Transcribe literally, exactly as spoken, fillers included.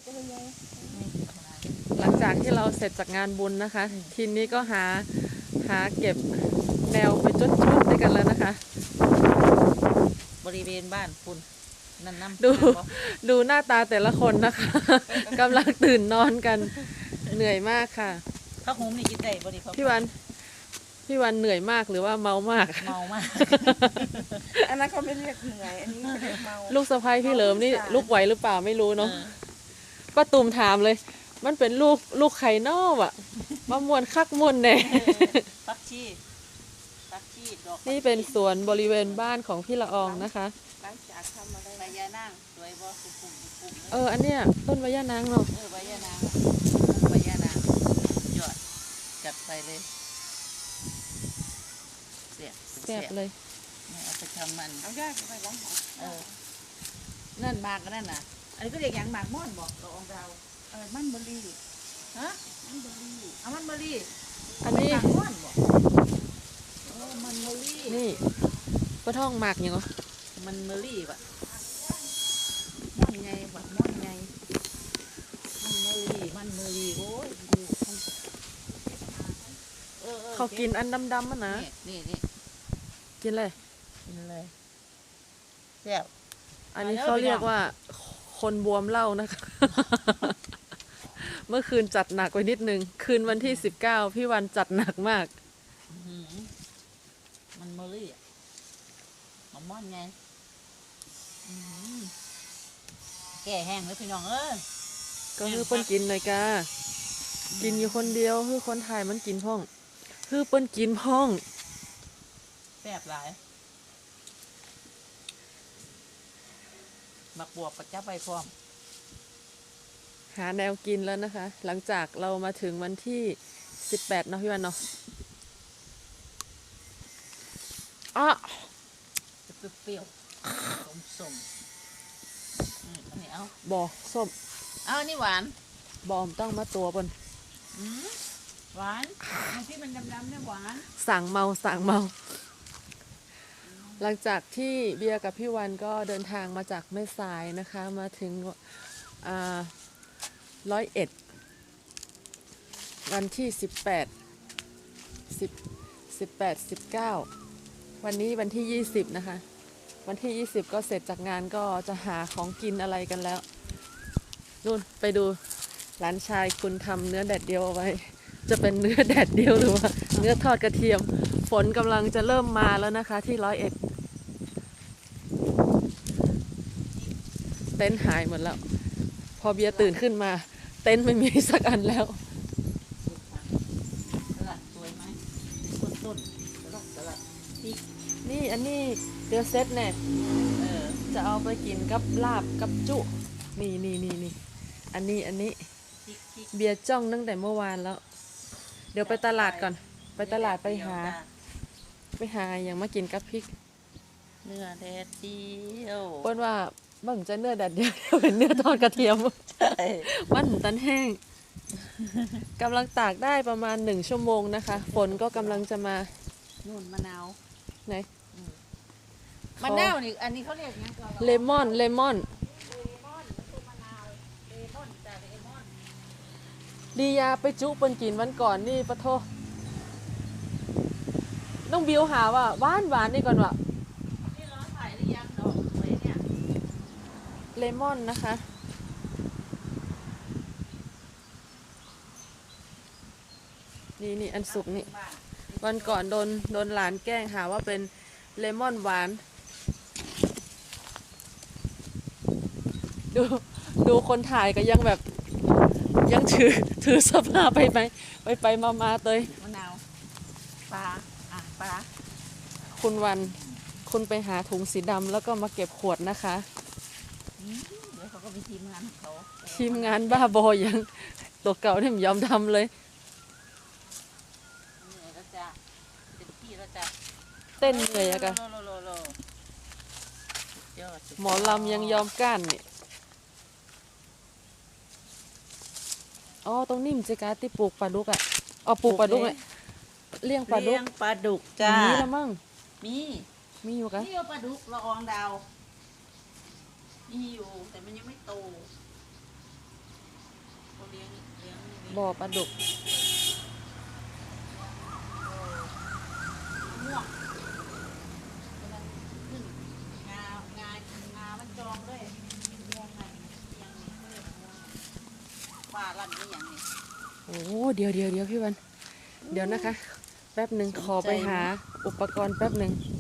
หลังจากที่เราเสร็จจากงานบุญนะคะ ทีนี้ก็หาหาเก็บแนวไปจดๆด้วยกันแล้วนะคะบริเวณบ้านคุณนั่นน้ำดูดูหน้าตาแต่ละคนนะคะ กำลังตื่นนอนกันเหนื่อยมากค่ะข้าวหอมนี่กินได้บริเขาพี่วันพี่วันเหนื่อยมากหรือว่าเมามากเมามากอันนั้นเขาไม่เรียกเหนื่อยอันนี้เขาเรียกเมาลูกสะใภ้พี่เหลิมนี่ลูกไหวหรือเปล่าไม่รู้เนาะป้าตูมถามเลย มันเป็นลูกลูกไข่นอกอ่ะมามวนคักมวนแน่ปักชีปักชีดอกนี่เป็นสวนบริเวณบ้านของพี่ละอองนะคะหลังจากทำอะไรใบยานั่งสวยบ่สุกุมสุกุมเอออันเนี้ยต้นมะย่านางเนาะเออใบยานางใบยานางยอดจัดไปเลยเสียบแซ่บเลยเนี่ยเอาไปทำมันเอายากไปล้างหอเออนั่นหมากก็นั่นน่ะ อันนี้ก็เรียกอย่างหมากม่อนบอกเราองเราเออมันเบอร์รี่ฮะมันเบอร์รี่เอามันเบอร์รี่อันนี้หมากม่อนบอกเออมันเบอร์รี่นี่ป้าท่องหมากยังเหรอมันเบอร์รี่ปะม่อนไงบักม่อนไงมันเบอร์รี่มันเบอร์รี่โอ้ยดูเออออเขากินอันดำๆมันนะนี่นี่นี่กินเลยกินเลยแซ่บอันนี้เขาเรียกว่าคนบวมเหล้านะคะ เมื่อคืนจัดหนักไปนิดนึงคืนวันที่สิบเก้าพี่วันจัดหนักมากอื้อหือมันเบอร์รี่อะมันม่อนไงอื้อหือแก่แห้งเลยพี่น้องเอ้ยก็คือเปิ้นกินเลยกากินอยู่คนเดียวคือคนไทยมันกินพ่องคือเปิ้นกินพ่องแซ่บหลายมักบวกกับจับไปพร้อมหาแนวกินแล้วนะคะ หลังจากเรามาถึงวันที่สิบแปดเนาะพี่วันเนาะอ้อจะเปรี้ยวๆส้มส้มๆอืมอันนี้เอาบอส้มเอาอันนี้หวานบอมต้องมาตัวเปิ้นอืมหวานอันที่มันดำๆเนี่ยหวานสั่งเมาสั่งเมา หลังจากที่เบียร์กับพี่วันก็เดินทางมาจากแม่สายนะคะ มาถึงร้อยเอ็ดวันที่สิบแปดสิบสิบแปดสิบเก้าวันนี้วันที่ยี่สิบนะคะ วันที่ยี่สิบก็เสร็จจากงานก็จะหาของกินอะไรกันแล้วนู่นไปดูหลานชายคุณทำเนื้อแดดเดียวเอาไว้ จะเป็นเนื้อแดดเดียวหรือว่าเนื้อทอดกระเทียมฝนกำลังจะเริ่มมาแล้วนะคะที่ร้อยเอ็ดเต็นท์หายหมดแล้ว พอเบียร์ตื่นขึ้นมาเต็นท์ไม่มีสักอันแล้วสลัดสวยไหมต้นต้นสลัดสลัดพริกนี่อันนี้เดือเซตเนี่ยเออจะเอาไปกินกับลาบกับจุ นี่นี่นี่นี่อันนี้อันนี้พริกพริกเบียร์จ้องตั้งแต่เมื่อวานแล้ว เดี๋ยวไปตลาดก่อน ไปตลาดไปหา ไปหาอย่างมากินกับพริกเนื้อแดดเดียวเปิ้นว่าบังจะเนื้อแดดเดียว เป็นเนื้อทอดกระเทียมใช่มันตันแห้งกำลังตากได้ประมาณหนึ่งชั่วโมงนะคะฝนก็กำลังจะมานู่นมะนาวไหนมะนาวนี่อันนี้เขาเรียกยังก่อนเลมอนเลมอนดียาไปจุเปิ้นกินวันก่อนนี่ปะโทน้องบิวหาว่าหวานหวานนี่ก่อนว่ะนี่ร้อนถ่ายหรือยังดอกสวยเนี่ยเลมอนนะคะนี่นี่อันสุกนี่บ้านวันก่อนโดนโดนหลานแกล้งหาว่าเป็นเลมอนหวาน ดูดูคนถ่ายก็ยังแบบยังถือถือสภาพไปไหมไปไปมามาเตยมะนาวปลาอ่ะปลาคุณวันคุณไปหาถุงสีดำแล้วก็มาเก็บขวดนะคะอืมเดี๋ยวเขาก็มีทีมงานของเขาทีมงานบ้าบอยังตัวเก่าเนี่ยไม่ยอมทำเลยเหนื่อยแล้วจ้ะเต็มที่แล้วจ้ะเต้นเหนื่อยอะกะโลโลโลโลสุดยอดสุดยดหมอลำยังยอมก้านนี่อ๋อตรงนี้มันจะการที่ปลูกปลาดุกอ่ะอ๋อปลูกปลาดุกเลยเลี้ยงปลาดุเลี้กยงปลาดุกจ้ามีแล้วมั้งมีมีอยู่กะนี่เอาปลาดุกละอองดาวมีอยู่แต่มันยังไม่โตเลี้ยงเลี้ยงเลี้ยงบ่อปลาดุกม่วงกำลังขึ้นงางางามันจองด้วยม่วงไงยังนี่เขาเรียกม่วงปลาลั่นนี่อย่างนี้โอ้เดี๋ยวเดี๋ยวเดี๋ยวพี่วัน เดี๋ยวนะคะ แป๊บหนึ่งขอไปหาอุปกรณ์แป๊บหนึ่งอ